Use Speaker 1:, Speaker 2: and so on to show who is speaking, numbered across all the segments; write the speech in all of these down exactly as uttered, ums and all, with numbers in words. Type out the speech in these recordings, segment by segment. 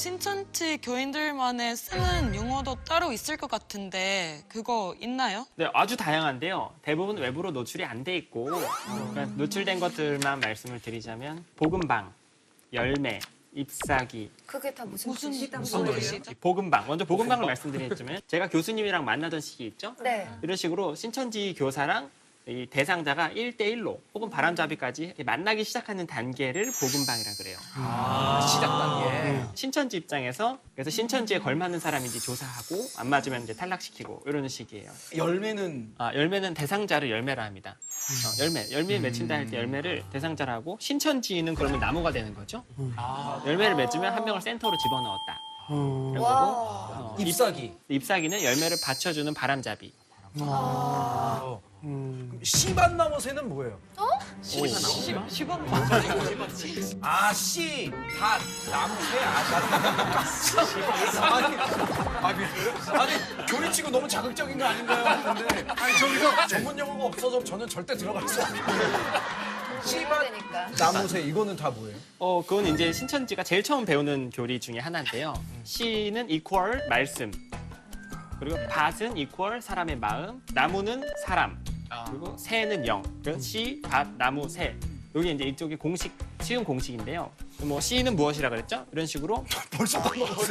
Speaker 1: 신천지 교인들만의 쓰는 용어도 따로 있을 것 같은데 그거 있나요?
Speaker 2: 네, 아주 다양한데요. 대부분 외부로 노출이 안 돼 있고 그러니까 노출된 것들만 말씀을 드리자면 복음방, 열매, ip사귀.
Speaker 3: 그게 다 무슨
Speaker 1: 무슨
Speaker 3: 뜻이다?
Speaker 1: 무슨 뜻이죠?
Speaker 2: 복음방. 먼저 복음방을 말씀드리자면 제가 교수님이랑 만나던 시기 있죠?
Speaker 3: 네.
Speaker 2: 이런 식으로 신천지 교사랑 이 대상자가 일 대 일로 혹은 바람잡이까지 이렇게 만나기 시작하는 단계를 복음방이라 그래요.
Speaker 4: 아, 시작 단계.
Speaker 2: 신천지 입장에서 그래서 신천지에 걸맞는 사람인지 조사하고 안 맞으면 이제 탈락시키고 이러는 식이에요.
Speaker 4: 열매는
Speaker 2: 아, 열매는 대상자를 열매라 합니다. 어, 열매, 열매 맺힌다 할 때 열매를 대상자라 하고 신천지는 그러면 나무가 되는 거죠.
Speaker 4: 아,
Speaker 2: 열매를 맺으면 한 명을 센터로 집어넣었다. 이런 거고
Speaker 3: 와.
Speaker 2: 어,
Speaker 4: 잎사귀.
Speaker 2: 잎사귀는 열매를 받쳐주는 바람잡이.
Speaker 4: 아. 음. 씨밭나무 새는 뭐예요?
Speaker 2: 시범
Speaker 4: 아, 씨, 밭, 나무, 새, 아, 아니, 아니, 아니, 교리치고 너무 자극적인 거 아닌가요? 근데 아니 저기서 전문 용어가 없어서 저는 절대 들어갈 수 없어요. 씨밭,
Speaker 3: 되니까.
Speaker 4: 나무, 새 이거는 다 뭐예요?
Speaker 2: 어, 그건 이제 신천지가 제일 처음 배우는 교리 중에 하나인데요. 시는 equal 말씀. 그리고 밭은 equal 사람의 마음, 나무는 사람, 그리고 새는 영. 그래서 시, 밭, 나무, 새. 여기 이제 이쪽이 공식, 쉬운 공식인데요. 뭐 시는 무엇이라 그랬죠? 이런 식으로
Speaker 4: 벌써 까먹었어요.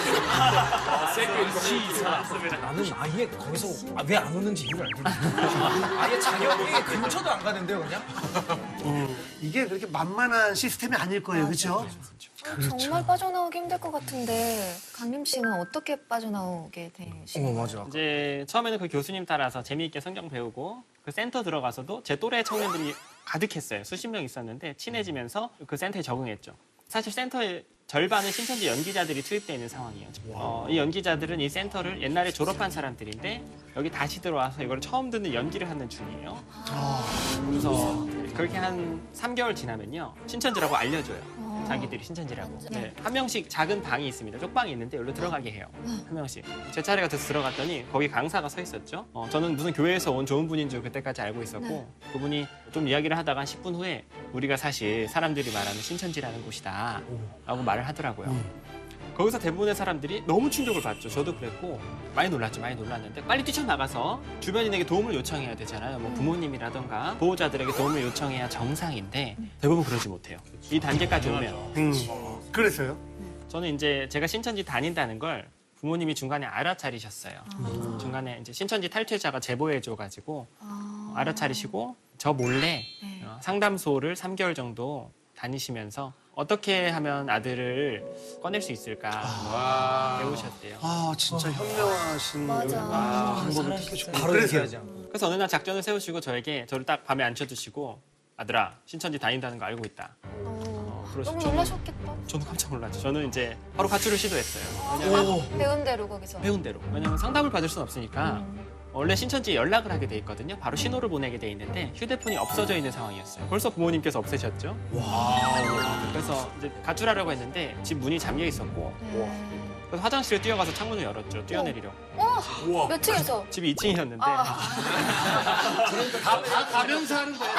Speaker 4: 나는 아예 거기서 왜 안 오는지 이유를 알겠어요. 아예 자격이 근처도 안 가는데요, 그냥?
Speaker 5: 이게 그렇게 만만한 시스템이 아닐 거예요, 그렇죠?
Speaker 3: 정말 빠져나오기 힘들 것 같은데 강림 씨는 어떻게 빠져나오게 되신 거예요?
Speaker 4: 맞아.
Speaker 2: 이제 처음에는 그 교수님 따라서 재미있게 성경 배우고 그 센터 들어가서도 제 또래 청년들이 가득했어요. 수십 명 있었는데 친해지면서 그 센터에 적응했죠. 사실 센터의 절반은 신천지 연기자들이 투입되어 있는 상황이에요. 어, 이 연기자들은 이 센터를 옛날에 졸업한 사람들인데 여기 다시 들어와서 이걸 처음 듣는 연기를 하는 중이에요. 그래서 그렇게 한 삼 개월 지나면요. 신천지라고 알려줘요. 자기들이 신천지라고. 네. 한 명씩 작은 방이 있습니다. 쪽방이 있는데 여기로 들어가게 해요. 한 명씩. 제 차례가 돼서 들어갔더니 거기 강사가 서 있었죠. 어, 저는 무슨 교회에서 온 좋은 분인 줄 그때까지 알고 있었고 그분이 좀 이야기를 하다가 한 십 분 후에 우리가 사실 사람들이 말하는 신천지라는 곳이다 라고 말을 하더라고요. 거기서 대부분의 사람들이 너무 충격을 받죠. 저도 그랬고 많이 놀랐죠. 많이 놀랐는데 빨리 뛰쳐나가서 주변인에게 도움을 요청해야 되잖아요. 뭐 부모님이라던가 보호자들에게 도움을 요청해야 정상인데 대부분 그러지 못해요. 이 단계까지 오면.
Speaker 5: 음. 그래서요?
Speaker 2: 저는 이제 제가 신천지 다닌다는 걸 부모님이 중간에 알아차리셨어요. 중간에 이제 신천지 탈퇴자가 제보해줘가지고
Speaker 3: 아.
Speaker 2: 알아차리시고 저 몰래
Speaker 3: 네.
Speaker 2: 어, 상담소를 삼 개월 정도 다니시면서 어떻게 하면 아들을 꺼낼 수 있을까 배우셨대요.
Speaker 5: 아, 진짜 현명하신
Speaker 3: 맞아.
Speaker 5: 방법을
Speaker 4: 바로
Speaker 5: 그래서요?
Speaker 4: 얘기하지 않고.
Speaker 2: 그래서 어느 날 작전을 세우시고 저에게 저를 딱 밤에 앉혀두시고 아들아 신천지 다닌다는 거 알고 있다.
Speaker 3: 어,
Speaker 2: 그러시죠.
Speaker 3: 너무 놀라셨겠다.
Speaker 2: 저는 깜짝 놀랐죠. 저는 이제 바로 가출을 시도했어요.
Speaker 3: 아, 배운 대로 거기서.
Speaker 2: 배운 대로. 왜냐면 상담을 받을 수는 없으니까 원래 신천지에 연락을 하게 돼 있거든요. 바로 신호를 보내게 돼 있는데 휴대폰이 없어져 있는 상황이었어요. 벌써 부모님께서 없애셨죠. 그래서 이제 가출하려고 했는데 집 문이 잠겨 있었고
Speaker 3: 네.
Speaker 2: 그래서 화장실에 뛰어가서 창문을 열었죠. 뛰어내리려고.
Speaker 3: 어? 몇 층에서?
Speaker 2: 집이 이 층이었는데
Speaker 3: 아.
Speaker 5: 다 가면서 하는 거예요.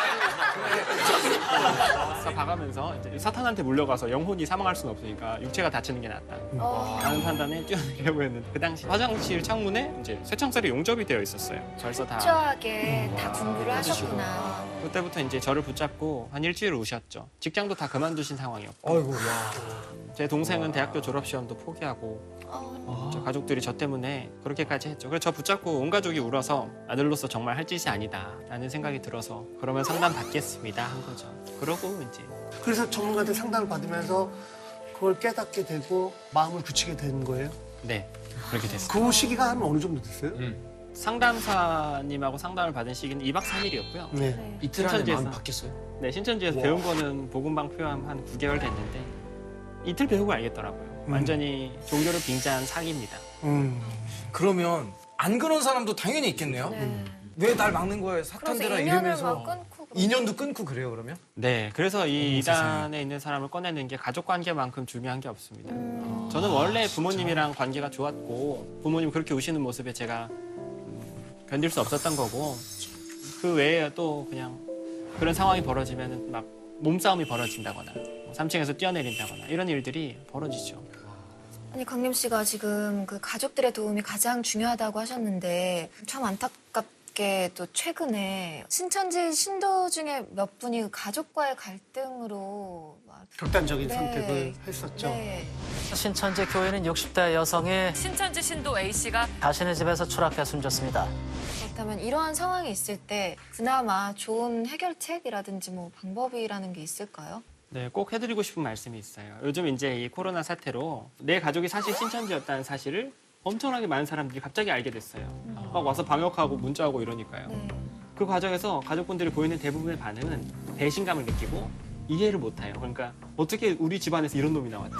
Speaker 2: 다 봐가면서 이제 사탄한테 물려가서 영혼이 사망할 수는 없으니까 육체가 다치는 게 낫다.
Speaker 3: 어.
Speaker 2: 라는 판단에 뛰어내리려고 했는데 그 당시 화장실 창문에 이제 쇠창살이 용접이 되어 있었어요. 벌써 다.
Speaker 3: 철저하게 다 공부를
Speaker 2: 해주시고.
Speaker 3: 하셨구나.
Speaker 2: 그때부터 이제 저를 붙잡고 한 일주일 우셨죠. 직장도 다 그만두신 상황이었고.
Speaker 4: 아이고, 와.
Speaker 2: 제 동생은 대학교 졸업 시험도 포기하고
Speaker 3: 어.
Speaker 2: 저 가족들이 저 때문에 그렇게까지 했죠. 그래서 저 붙잡고 온 가족이 울어서 아들로서 정말 할 짓이 아니다라는 생각이 들어서 그러면 상담 받겠습니다 한 거죠. 그러고 이제
Speaker 5: 그래서 전문가한테 상담을 받으면서 그걸 깨닫게 되고 마음을 굳히게 된 거예요?
Speaker 2: 네 그렇게 됐어요.
Speaker 5: 그 시기가 한 어느 정도 됐어요?
Speaker 2: 상담사님하고 상담을 받은 시기는 이 박 삼 일이었고요.
Speaker 5: 네.
Speaker 3: 네.
Speaker 4: 이틀 안에
Speaker 2: 신천지에서.
Speaker 4: 마음이 바뀌었어요?
Speaker 2: 네, 신천지에서 배운 거는 복음방 표현 한 구 개월 됐는데 이틀 배우고 알겠더라고요. 완전히 종교를 빙자한 사기입니다.
Speaker 5: 음.
Speaker 4: 그러면 안 그런 사람도 당연히 있겠네요?
Speaker 3: 네.
Speaker 4: 왜 날 막는 거예요?
Speaker 3: 그래서
Speaker 4: 사탄들아
Speaker 3: 인연을
Speaker 4: 이러면서.
Speaker 3: 막 끊고. 그런
Speaker 4: 인연도 끊고 그래요, 그러면?
Speaker 2: 네, 그래서 이
Speaker 4: 어머, 세상에.
Speaker 2: 이단에 있는 사람을 꺼내는 게 가족 관계만큼 중요한 게 없습니다.
Speaker 3: 음.
Speaker 2: 저는 원래 부모님이랑 관계가 좋았고 부모님 그렇게 우시는 모습에 제가 음, 견딜 수 없었던 거고 그 외에 또 그냥 그런 상황이 벌어지면 막 몸싸움이 벌어진다거나 삼 층에서 뛰어내린다거나 이런 일들이 벌어지죠.
Speaker 3: 아니 강림 씨가 지금 그 가족들의 도움이 가장 중요하다고 하셨는데 참 안타깝게 또 최근에 신천지 신도 중에 몇 분이 가족과의 갈등으로 막
Speaker 5: 극단적인
Speaker 3: 네.
Speaker 5: 선택을 했었죠.
Speaker 3: 네.
Speaker 6: 신천지 교인은 육십 대 여성이
Speaker 7: 신천지 신도 A씨가
Speaker 6: 자신의 집에서 추락해 숨졌습니다.
Speaker 3: 그렇다면 이러한 상황이 있을 때 그나마 좋은 해결책이라든지 뭐 방법이라는 게 있을까요?
Speaker 2: 네, 꼭 해드리고 싶은 말씀이 있어요. 요즘 이제 이 코로나 사태로 내 가족이 사실 신천지였다는 사실을 엄청나게 많은 사람들이 갑자기 알게 됐어요. 막 와서 방역하고 문자하고 이러니까요.
Speaker 3: 네.
Speaker 2: 그 과정에서 가족분들이 보이는 대부분의 반응은 배신감을 느끼고 이해를 못해요. 그러니까 어떻게 우리 집안에서 이런 놈이 나왔지?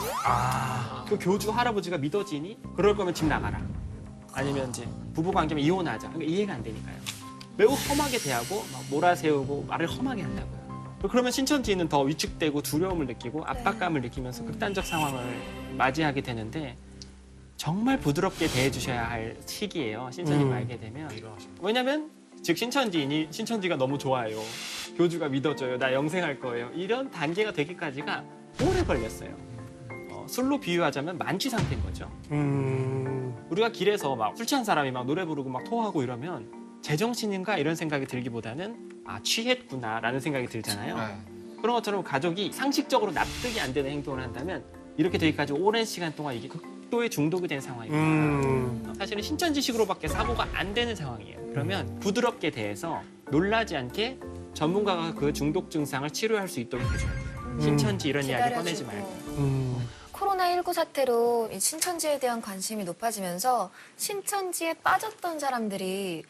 Speaker 2: 그 교주 할아버지가 믿어지니? 그럴 거면 집 나가라. 아니면 이제 부부 관계면 이혼하자. 그러니까 이해가 안 되니까요. 매우 험하게 대하고 막 몰아세우고 말을 험하게 한다고요. 그러면 신천지는 더 위축되고 두려움을 느끼고 압박감을 느끼면서 극단적 상황을 맞이하게 되는데 정말 부드럽게 대해주셔야 할 시기예요. 신천지
Speaker 5: 음.
Speaker 2: 알게 되면. 왜냐면 즉 신천지인이 신천지가 너무 좋아요. 교주가 믿어줘요. 나 영생할 거예요. 이런 단계가 되기까지가 오래 걸렸어요. 어, 술로 비유하자면 만취 상태인 거죠.
Speaker 5: 음,
Speaker 2: 우리가 길에서 막 술 취한 사람이 막 노래 부르고 막 토하고 이러면 제정신인가 이런 생각이 들기보다는 아 취했구나라는 생각이 들잖아요. 그런 것처럼 가족이 상식적으로 납득이 안 되는 행동을 한다면 이렇게 되기까지 오랜 시간 동안 이게 극도의 중독이 된 상황입니다.
Speaker 5: 음,
Speaker 2: 사실은 신천지식으로밖에 사고가 안 되는 상황이에요. 그러면 부드럽게 대해서 놀라지 않게 전문가가 그 중독 증상을 치료할 수 있도록 해줘야 돼요. 신천지 이런 이야기 꺼내지
Speaker 3: 기다려주고.
Speaker 2: 말고.
Speaker 5: 음.
Speaker 3: 코로나십구 사태로 이 신천지에 대한 관심이 높아지면서 신천지에 빠졌던 사람들이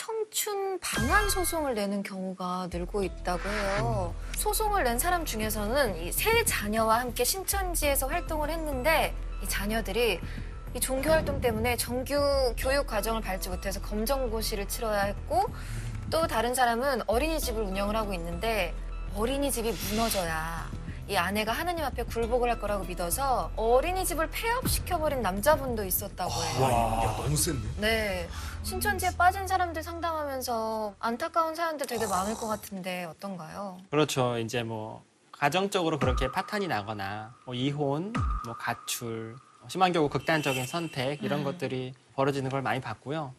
Speaker 3: 청춘 방한 소송을 내는 경우가 늘고 있다고 해요. 소송을 낸 사람 중에서는 이 세 자녀와 함께 신천지에서 활동을 했는데 이 자녀들이 이 종교 활동 때문에 정규 교육 과정을 밟지 못해서 검정고시를 치러야 했고 또 다른 사람은 어린이집을 운영을 하고 있는데 어린이집이 무너져야 이 아내가 하느님 앞에 굴복을 할 거라고 믿어서 어린이집을 폐업시켜버린 남자분도 있었다고 해요.
Speaker 4: 야, 너무 센데?
Speaker 3: 네. 신천지에 빠진 사람들 상담하면서 안타까운 사연들 되게 많을 것 같은데 어떤가요?
Speaker 2: 그렇죠. 이제 뭐 가정적으로 그렇게 파탄이 나거나 뭐 이혼, 뭐 가출, 심한 경우 극단적인 선택 이런 것들이 벌어지는 걸 많이 봤고요.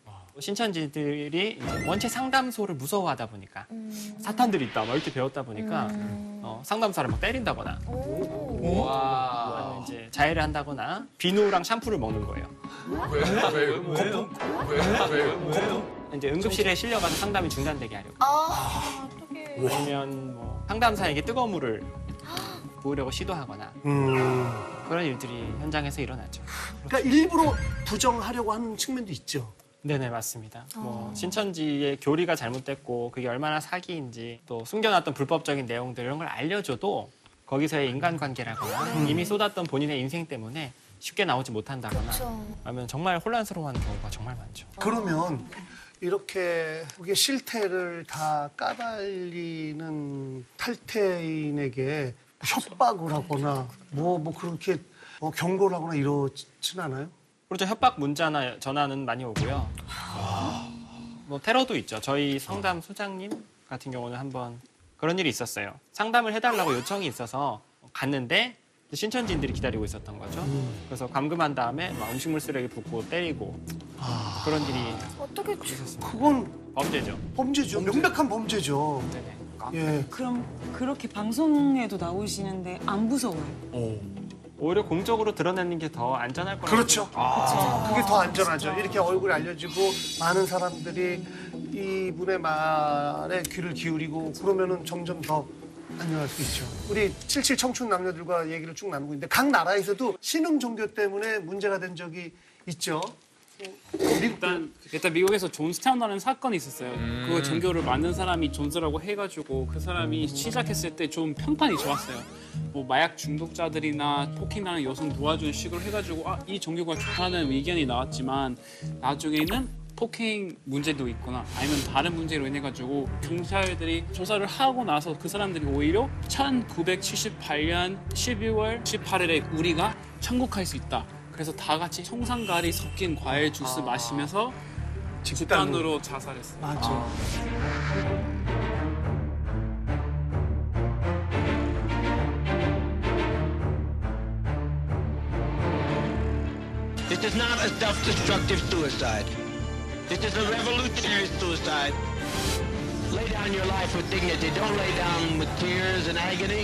Speaker 2: 신천지들이 이제 원체 상담소를 무서워하다 보니까
Speaker 3: 음.
Speaker 2: 사탄들이 있다 막 이렇게 배웠다 보니까
Speaker 3: 음.
Speaker 2: 어, 상담사를 막 때린다거나
Speaker 3: 오.
Speaker 2: 아니면 이제 자해를 한다거나 비누랑 샴푸를 먹는 거예요.
Speaker 4: 왜? 왜? 거품? 왜? 왜?
Speaker 2: 이제 응급실에 실려가서 상담이 중단되게 하려고.
Speaker 3: 아, 어떡해.
Speaker 2: 아니면 뭐 상담사에게 뜨거운 물을 부으려고 시도하거나
Speaker 5: 음.
Speaker 2: 그런 일들이 현장에서 일어나죠.
Speaker 5: 그러니까 일부러 부정하려고 하는 측면도 있죠.
Speaker 2: 네네 맞습니다. 뭐
Speaker 3: 어.
Speaker 2: 신천지의 교리가 잘못됐고 그게 얼마나 사기인지 또 숨겨놨던 불법적인 내용들 이런 걸 알려줘도 거기서의 인간관계라거나 이미 쏟았던 본인의 인생 때문에 쉽게 나오지 못한다거나
Speaker 3: 그렇죠.
Speaker 2: 하면 정말 혼란스러워하는 경우가 정말 많죠.
Speaker 5: 그러면 이렇게 그게 실태를 다 까발리는 탈퇴인에게 협박을 하거나 뭐, 뭐 그렇게 뭐 경고를 하거나 이러진 않아요?
Speaker 2: 그렇죠. 협박 문자나 전화는 많이 오고요. 뭐 테러도 있죠. 저희 성담 소장님 같은 경우는 한번 그런 일이 있었어요. 상담을 해달라고 요청이 있어서 갔는데 신천지인들이 기다리고 있었던 거죠. 그래서 감금한 다음에 막 음식물 쓰레기 붓고 때리고 그런 일이
Speaker 3: 어떻게
Speaker 2: 있었습니다.
Speaker 5: 그건
Speaker 2: 범죄죠.
Speaker 5: 범죄죠. 명백한 범죄죠.
Speaker 2: 네네.
Speaker 5: 예.
Speaker 7: 그럼 그렇게 방송에도 나오시는데 안 무서워요?
Speaker 2: 오히려 공적으로 드러내는 게 더 안전할 거라고.
Speaker 5: 그렇죠.
Speaker 7: 그렇죠.
Speaker 5: 그게 더 안전하죠. 이렇게 얼굴이 알려지고 많은 사람들이 이분의 말에 귀를 기울이고 그러면은 점점 더 안전할 수 있죠. 우리 칠칠 청춘 남녀들과 얘기를 쭉 나누고 있는데 각 나라에서도 신흥 종교 때문에 문제가 된 적이 있죠.
Speaker 8: 일단 일단 미국에서 존 스타운이라는 사건이 있었어요. 그 종교를 만든 사람이 존스라고 해가지고 그 사람이 시작했을 때 좀 평판이 좋았어요. 뭐 마약 중독자들이나 폭행하는 여성 도와주는 식으로 해가지고 아, 이 종교가 좋다는 의견이 나왔지만 나중에는 폭행 문제도 있거나 아니면 다른 문제로 인해 가지고 경찰들이 조사를 하고 나서 그 사람들이 오히려 천구백칠십팔 년 십이월 십팔일에 우리가 천국 갈 수 있다. 그래서 다 같이 청산가리 섞인 과일 주스
Speaker 5: 아.
Speaker 8: 마시면서 집단으로 자살했어요.
Speaker 5: 맞아.
Speaker 9: This is not a self-destructive suicide. This is a revolutionary suicide. Lay down your life with dignity. Don't lay down with tears and agony.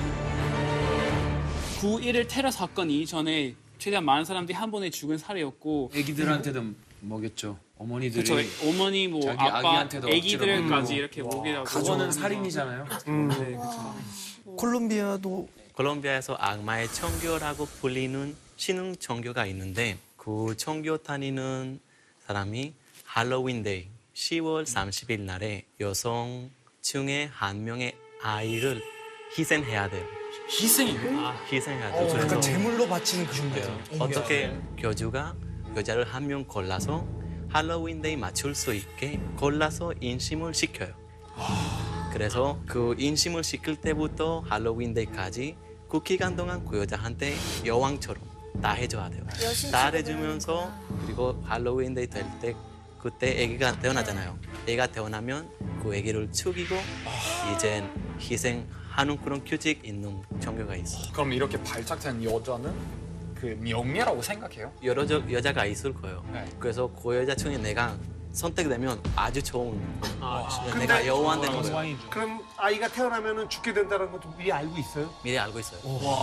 Speaker 8: 구 일일 테러 사건 이전에 최대한 많은 사람들이 한 번에 죽은 사례였고
Speaker 4: 애기들한테도 먹였죠. 어머니들이
Speaker 8: 그쵸, 어머니 뭐
Speaker 4: 자기
Speaker 8: 아빠
Speaker 4: 아기한테도 억지로
Speaker 8: 애기들까지
Speaker 4: 먹이고.
Speaker 8: 이렇게 먹이라고
Speaker 4: 그거는 살인이잖아요.
Speaker 8: 네, 그쵸.
Speaker 5: 콜롬비아도
Speaker 10: 콜롬비아에서 악마의 청교라고 불리는 신흥 종교가 있는데 그 종교 다니는 사람이 할로윈데이 시월 삼십일 날에 여성 중에 한 명의 아이를 희생해야 돼요.
Speaker 8: 희생이요?
Speaker 10: 아, 희생해야 돼요. 그래서
Speaker 5: 약간 제물로 바치는 그 종교예요.
Speaker 10: 어떻게 교주가 여자를 한 명 골라서 할로윈데이 맞출 수 있게 골라서 인심을 시켜요. 그래서 그 인심을 시킬 때부터 할로윈데이까지 그 기간 동안 그 여자한테 여왕처럼 다 해줘야 돼요. 다 해주면서 그리고 할로윈데이 될 때 그때 아기가 태어나잖아요. 애가 태어나면 그 아기를 죽이고 이젠 희생하는 그런 규칙 있는 종교가 있어요.
Speaker 11: 그럼 이렇게 발탁된 여자는 그 명예라고 생각해요?
Speaker 10: 여러 저, 여자가 있을 거예요.
Speaker 11: 네.
Speaker 10: 그래서 그 여자 중에 내가 선택되면 아주 좋은
Speaker 8: 아,
Speaker 10: 내가 여왕 되는 거예요.
Speaker 5: 왕이죠. 그럼 아이가 태어나면 죽게 된다는 것도 미리 알고 있어요?
Speaker 10: 미리 알고 있어요.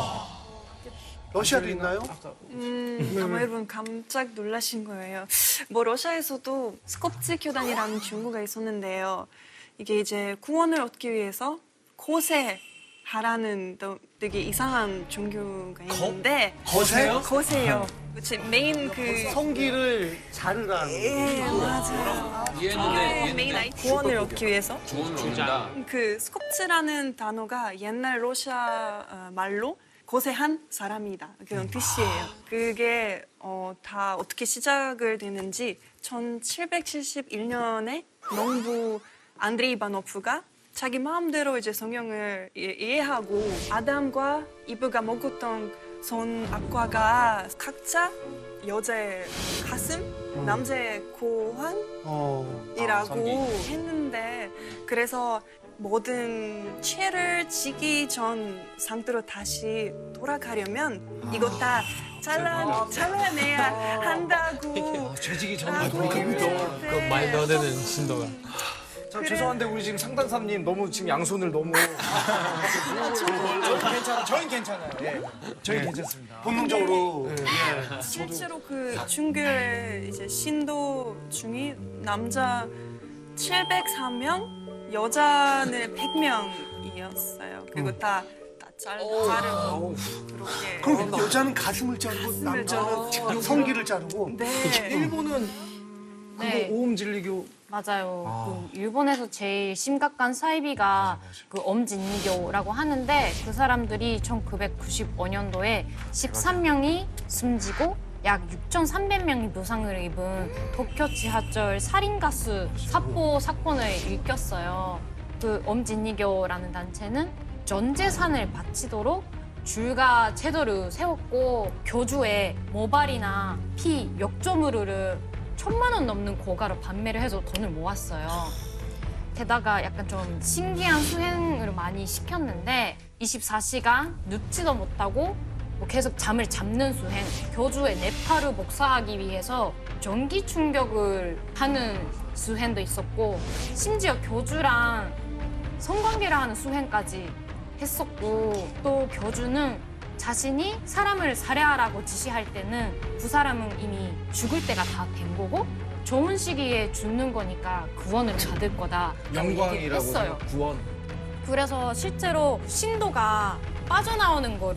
Speaker 5: 러시아도 있나요?
Speaker 12: 음, 아마 여러분 깜짝 놀라신 거예요. 뭐 러시아에서도 스콥츠 교단이라는 종교가 있었는데요. 이게 이제 구원을 얻기 위해서 고세하라는 또 되게 이상한 종교가 있는데
Speaker 5: 거세요?
Speaker 12: 거세요. 제 메인 그
Speaker 5: 성기를 자르라는
Speaker 12: 예,
Speaker 5: 거죠.
Speaker 12: 맞아요.
Speaker 4: 이해했는데
Speaker 12: 메인 아이 구원을 얻기 위해서
Speaker 4: 구원을 얻는다.
Speaker 12: 그 스콥츠라는 단어가 옛날 러시아 어, 말로 고세한 사람이다 그런 뜻이에요. 그게 어, 다 어떻게 시작을 됐는지 천칠백칠십일 년에 농부 안드레이 이바노프가 자기 마음대로 이제 성경을 이- 이해하고 아담과 이브가 먹었던 선악과가 각자 여자의 가슴, 남자의 고환이라고
Speaker 5: 어.
Speaker 12: 했는데 그래서 모든 죄를 지기 전 상태로 다시 돌아가려면 이거 다 잘라, 잘라내야 한다고.
Speaker 4: 죄지기
Speaker 12: 전에
Speaker 4: 돌아가면
Speaker 12: 그 말도 안
Speaker 11: 되는 신도가.
Speaker 4: 참
Speaker 12: 그래.
Speaker 4: 죄송한데 우리 지금 상담사님 너무 지금 양손을 너무 저희 괜찮아 저희 괜찮아요. 예. 저희 괜찮습니다.
Speaker 5: 본능적으로
Speaker 4: 예.
Speaker 12: 실제로 그 중교의 이제 신도 중에 남자 칠백삼 명, 여자는 백 명이었어요. 그리고 다, 다 잘, 자르고 그렇게.
Speaker 5: 그럼 여자는 가슴을 자르고
Speaker 12: 가슴을
Speaker 5: 남자는 성기를 자르고
Speaker 12: 네.
Speaker 4: 일본은
Speaker 13: 네.
Speaker 4: 그거 오음진리교
Speaker 13: 맞아요. 그 일본에서 제일 심각한 사이비가 그 엄진리교라고 하는데 그 사람들이 천구백구십오 년도에 십삼 명이 숨지고 약 육천삼백 명이 부상을 입은 도쿄 지하철 살인가스 사포 사건을 일으켰어요. 그 엄진리교라는 단체는 전 재산을 바치도록 줄과 제도를 세웠고 교주의 모발이나 피, 역조물을 천만 원 넘는 고가로 판매를 해서 돈을 모았어요. 게다가 약간 좀 신기한 수행을 많이 시켰는데 이십사 시간 눕지도 못하고 뭐 계속 잠을 잡는 수행, 교주의 뇌파를 복사하기 위해서 전기 충격을 하는 수행도 있었고 심지어 교주랑 성관계를 하는 수행까지 했었고 또 교주는 자신이 사람을 살해하라고 지시할 때는 그 사람은 이미 죽을 때가 다 된 거고 좋은 시기에 죽는 거니까 구원을 받을 거다
Speaker 4: 영광이라고
Speaker 13: 했어요.
Speaker 4: 구원.
Speaker 13: 그래서 실제로 신도가 빠져나오는 거를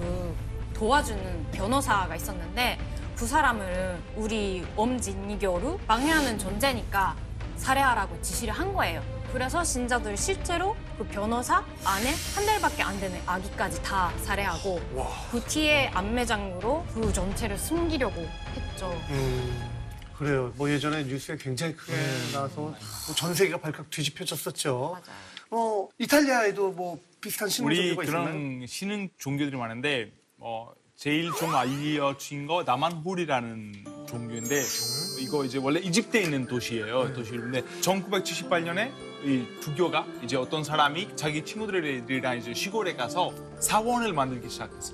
Speaker 13: 도와주는 변호사가 있었는데 그 사람을 우리 엄진리교를 방해하는 존재니까 살해하라고 지시를 한 거예요. 그래서 신자들 실제로 그 변호사 안에 한 달밖에 안 되는 아기까지 다 살해하고 그 뒤에 안매장으로 그 전체를 숨기려고 했죠.
Speaker 5: 음, 그래요. 뭐 예전에 뉴스에 굉장히 크게 나와서 뭐전 세계가 발칵 뒤집혀졌었죠.
Speaker 13: 맞아요.
Speaker 5: 어, 이탈리아에도 뭐 비슷한 신흥
Speaker 14: 우리
Speaker 5: 종교가 있었나요?
Speaker 14: 그런 신흥 종교들이 많은데 어, 제일 좀 알려진 거 나만홀이라는 종교인데 이거 이제 원래 이집트에 있는 도시예요. 도시인데 천구백칠십팔 년에 이 두교가 이제 어떤 사람이 자기 친구들이랑 이제 시골에 가서 사원을 만들기 시작했어요.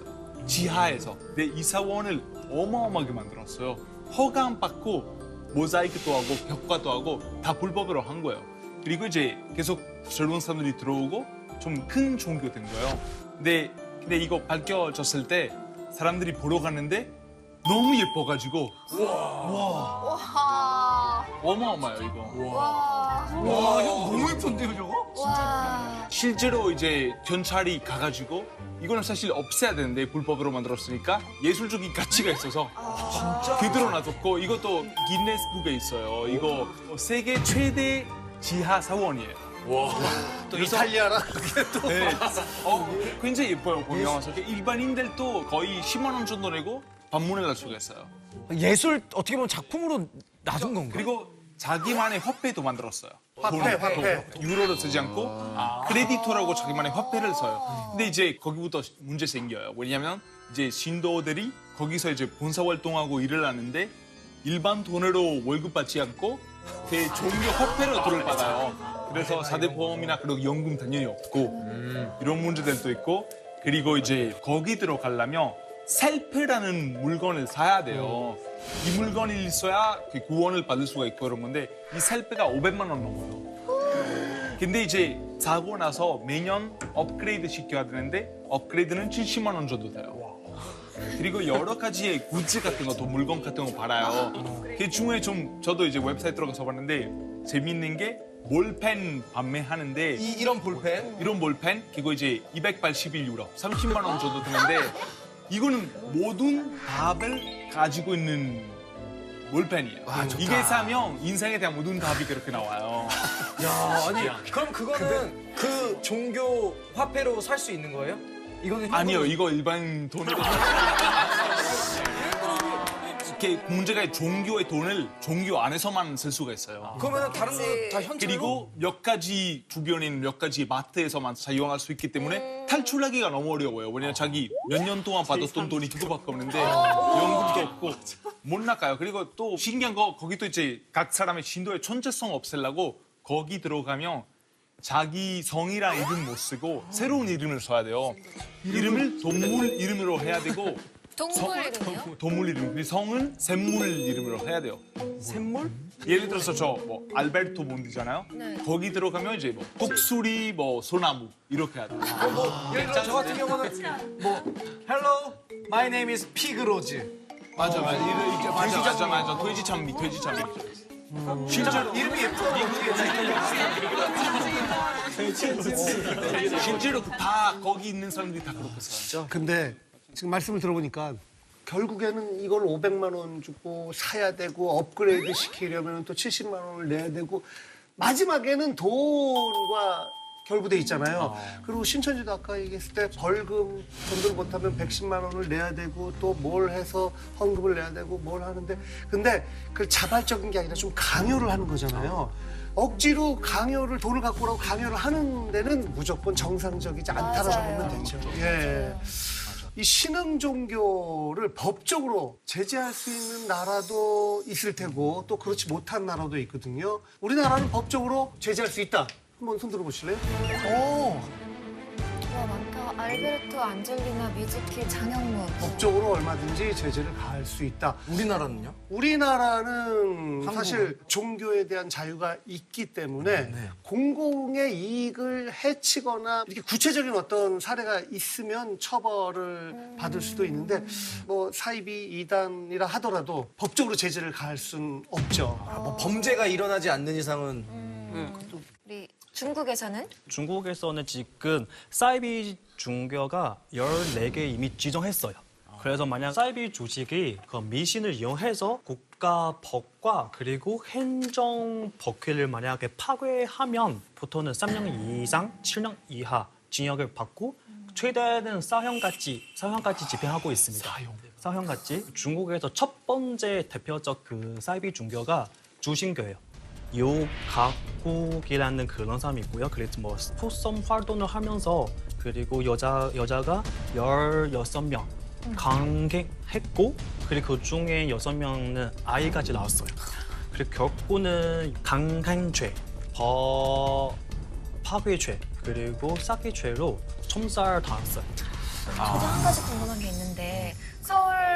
Speaker 14: 지하에서 내 이사원을 어마어마하게 만들었어요. 허가 받고 모자이크도 하고 벽화도 하고 다 불법으로 한 거예요. 그리고 이제 계속 젊은 사람들이 들어오고 좀 큰 종교 된 거예요. 근데, 근데 이거 밝혀졌을 때 사람들이 보러 갔는데 너무 예뻐가지고 와,
Speaker 3: 와.
Speaker 14: 어마어마해요 이거.
Speaker 3: 와.
Speaker 4: 와, 형 너무 예쁜데요, 저거?
Speaker 3: 와.
Speaker 14: 실제로 이제 경찰이 가가지고 이거는 사실 없애야 되는데 불법으로 만들었으니까 예술적인 가치가 있어서
Speaker 4: 진짜?
Speaker 14: 그대로 놔뒀고 이것도 기네스북에 있어요. 이거 세계 최대 지하 사원이에요.
Speaker 4: 와, 또 이탈리아라 그게 또.
Speaker 14: 네. 어, 굉장히 예뻐요 보면 와서 일반인들도 거의 십만 원 정도 내고 방문을 할 수가 있어요.
Speaker 4: 예술 어떻게 보면 작품으로 놔둔 건가요?
Speaker 14: 그리고 자기만의 화폐도 만들었어요.
Speaker 5: 화폐,
Speaker 14: 돈,
Speaker 5: 화폐.
Speaker 14: 돈, 유로를 쓰지 않고 크레디토라고 자기만의 화폐를 써요. 근데 이제 거기부터 문제 생겨요. 왜냐하면 이제 신도들이 거기서 이제 봉사 활동하고 일을 하는데 일반 돈으로 월급 받지 않고 그 종교 화폐로 돈을 받아요. 그래서 사대보험이나 그리고 연금 당연히 없고 이런 문제들도 있고 그리고 이제 거기 들어가려면 셀프라는 물건을 사야 돼요. 이 물건이 있어야 그 구원을 받을 수가 있고 그런 건데 이 셀프가 오백만 원 넘어요. 근데 이제 사고 나서 매년 업그레이드 시켜야 되는데 업그레이드는 칠십만 원 정도 돼요. 그리고 여러 가지의 굿즈 같은 거, 또 물건 같은 거 팔아요. 그 중에 좀 저도 이제 웹사이트 들어가서 봤는데 재밌는 게 볼펜 판매하는데
Speaker 4: 이, 이런 볼펜?
Speaker 14: 이런 볼펜 그거 이제 이백팔십일 유로, 삼십만 원 정도 드는데 이거는 모든 답을 가지고 있는 볼펜이에요.
Speaker 4: 와, 좋다.
Speaker 14: 이게 사면 인생에 대한 모든 답이 그렇게 나와요.
Speaker 4: 야, 아니 그럼 그거는 그 종교 화폐로 살 수 있는 거예요? 이거는
Speaker 14: 아니요, 이거 일반 돈으로. 이렇게 문제가 종교의 돈을 종교 안에서만 쓸 수가 있어요.
Speaker 4: 그러면 다른 거 다 현찰로?
Speaker 14: 그리고 몇 가지 주변에 있는 몇 가지 마트에서만 사용할 수 있기 때문에 탈출하기가 너무 어려워요. 왜냐면 자기 몇 년 동안 받았던 돈이 그거밖에 없는데 연금도 없고 못 나가요. 그리고 또 신기한 거 거기 또 이제 각 사람의 신도의 천재성 없애려고 거기 들어가면 자기 성이랑 이름 못 쓰고 새로운 이름을 써야 돼요. 이름을 동물 이름으로 해야 되고
Speaker 3: 동물 이름이요?
Speaker 14: 동물 이름. 그리고 성은 샘물 이름으로 해야 돼요.
Speaker 4: 샘물?
Speaker 14: 예를 들어서 저 뭐 알베르토 몬디잖아요.
Speaker 3: 네.
Speaker 14: 거기 들어가면 이제 뭐 독수리, 뭐 소나무 이렇게 해야 돼요.
Speaker 4: 그럼 뭐 예를 들어 저 같은 경우는 뭐 Hello, my name is 피그로즈.
Speaker 14: 맞아, 맞아. 이거 이제 맞아, 맞아, 맞아. 돼지 장미, 돼지 장미. 실제로
Speaker 4: 이름이 예뻐.
Speaker 14: 실제로 다 거기 있는 사람들이 다 그렇게 써요.
Speaker 5: 근데 지금 말씀을 들어보니까 결국에는 이걸 오백만 원 주고 사야 되고 업그레이드 시키려면 또 칠십만 원을 내야 되고 마지막에는 돈과 결부돼 있잖아요. 그리고 신천지도 아까 얘기했을 때 벌금 전도를 못하면 백십만 원을 내야 되고 또 뭘 해서 헌금을 내야 되고 뭘 하는데 근데 그 자발적인 게 아니라 좀 강요를 하는 거잖아요. 억지로 강요를 돈을 갖고 오라고 강요를 하는 데는 무조건 정상적이지 않다라고
Speaker 3: 맞아요.
Speaker 5: 보면 되죠. 예. 이 신흥 종교를 법적으로 제재할 수 있는 나라도 있을 테고 또 그렇지 못한 나라도 있거든요. 우리나라는 법적으로 제재할 수 있다. 한번 손 들어보실래요? 오.
Speaker 3: 와 많다. 알베르토, 안젤리나, 미즈키, 장영문.
Speaker 5: 법적으로 얼마든지 제재를 가할 수 있다.
Speaker 4: 우리나라는요?
Speaker 5: 우리나라는
Speaker 4: 한국은?
Speaker 5: 사실 종교에 대한 자유가 있기 때문에
Speaker 4: 네.
Speaker 5: 공공의 이익을 해치거나 이렇게 구체적인 어떤 사례가 있으면 처벌을 받을 수도 있는데 뭐 사이비 이단이라 하더라도 법적으로 제재를 가할 수는 없죠.
Speaker 4: 아, 뭐 범죄가 일어나지 않는 이상은
Speaker 3: 우리 중국에서는?
Speaker 15: 중국에서는 지금 사이비 종교가 열네 개 이미 지정했어요. 그래서 만약 사이비 조직이 그 미신을 이용해서 국가 법과 그리고 행정 법규를 만약에 파괴하면 보통은 삼 년 이상, 칠 년 이하 징역을 받고 최대는 사형까지 사형까지 집행하고 있습니다. 사형. 사형까지. 중국에서 첫 번째 대표적 그 사이비 종교가 주신교예요. 요가국이라는 그런 사람이 있고요. 그래서 뭐 스포츠 활동을 하면서 그리고 여자 여자가 열여섯 명 강행했고 그리고 그 중에 여섯 명은 아이까지 나왔어요. 그리고 결국은 강행죄, 법 파괴죄 그리고 사기죄로 첨살 당했어요.
Speaker 3: 저도 한 가지 궁금한 게 있는데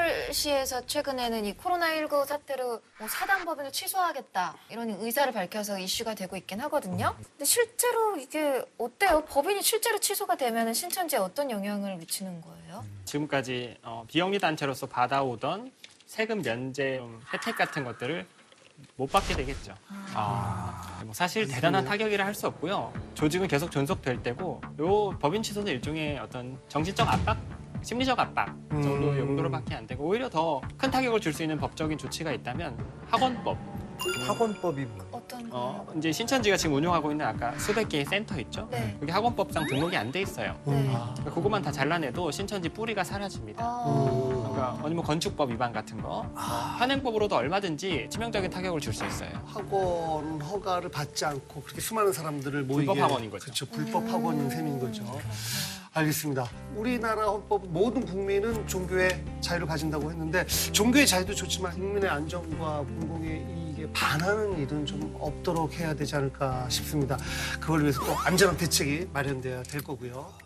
Speaker 3: 서울시에서 최근에는 이 코로나십구 사태로 뭐 사단법인을 취소하겠다 이런 의사를 밝혀서 이슈가 되고 있긴 하거든요. 근데 실제로 이게 어때요? 법인이 실제로 취소가 되면 신천지에 어떤 영향을 미치는 거예요?
Speaker 2: 지금까지 어, 비영리 단체로서 받아오던 세금 면제 혜택 같은 것들을 못 받게 되겠죠. 아, 뭐 사실 대단한 타격이라 할 수 없고요. 조직은 계속 존속될 때고, 요 법인 취소는 일종의 어떤 정신적 압박, 심리적 압박 정도
Speaker 5: 음.
Speaker 2: 용도로밖에 안 되고, 오히려 더 큰 타격을 줄 수 있는 법적인 조치가 있다면 학원법.
Speaker 5: 학원법이 뭐?
Speaker 3: 어떤
Speaker 2: 어, 이제 신천지가 지금 운영하고 있는 아까 수백 개의 센터 있죠?
Speaker 3: 네.
Speaker 2: 여기 학원법상 등록이 안 돼 있어요.
Speaker 3: 네.
Speaker 2: 그러니까 그것만 다 잘라내도 신천지 뿌리가 사라집니다. 그러니까 아니면 건축법 위반 같은 거, 어, 현행법으로도 얼마든지 치명적인 타격을 줄 수 있어요.
Speaker 5: 학원 허가를 받지 않고 그렇게 수많은 사람들을 모이게
Speaker 2: 불법 학원인 거죠.
Speaker 5: 그렇죠. 불법 학원인 셈인 거죠. 알겠습니다. 우리나라 헌법 모든 국민은 종교의 자유를 가진다고 했는데 종교의 자유도 좋지만 국민의 안전과 공공의 이익에 반하는 일은 좀 없도록 해야 되지 않을까 싶습니다. 그걸 위해서 또 안전한 대책이 마련돼야 될 거고요.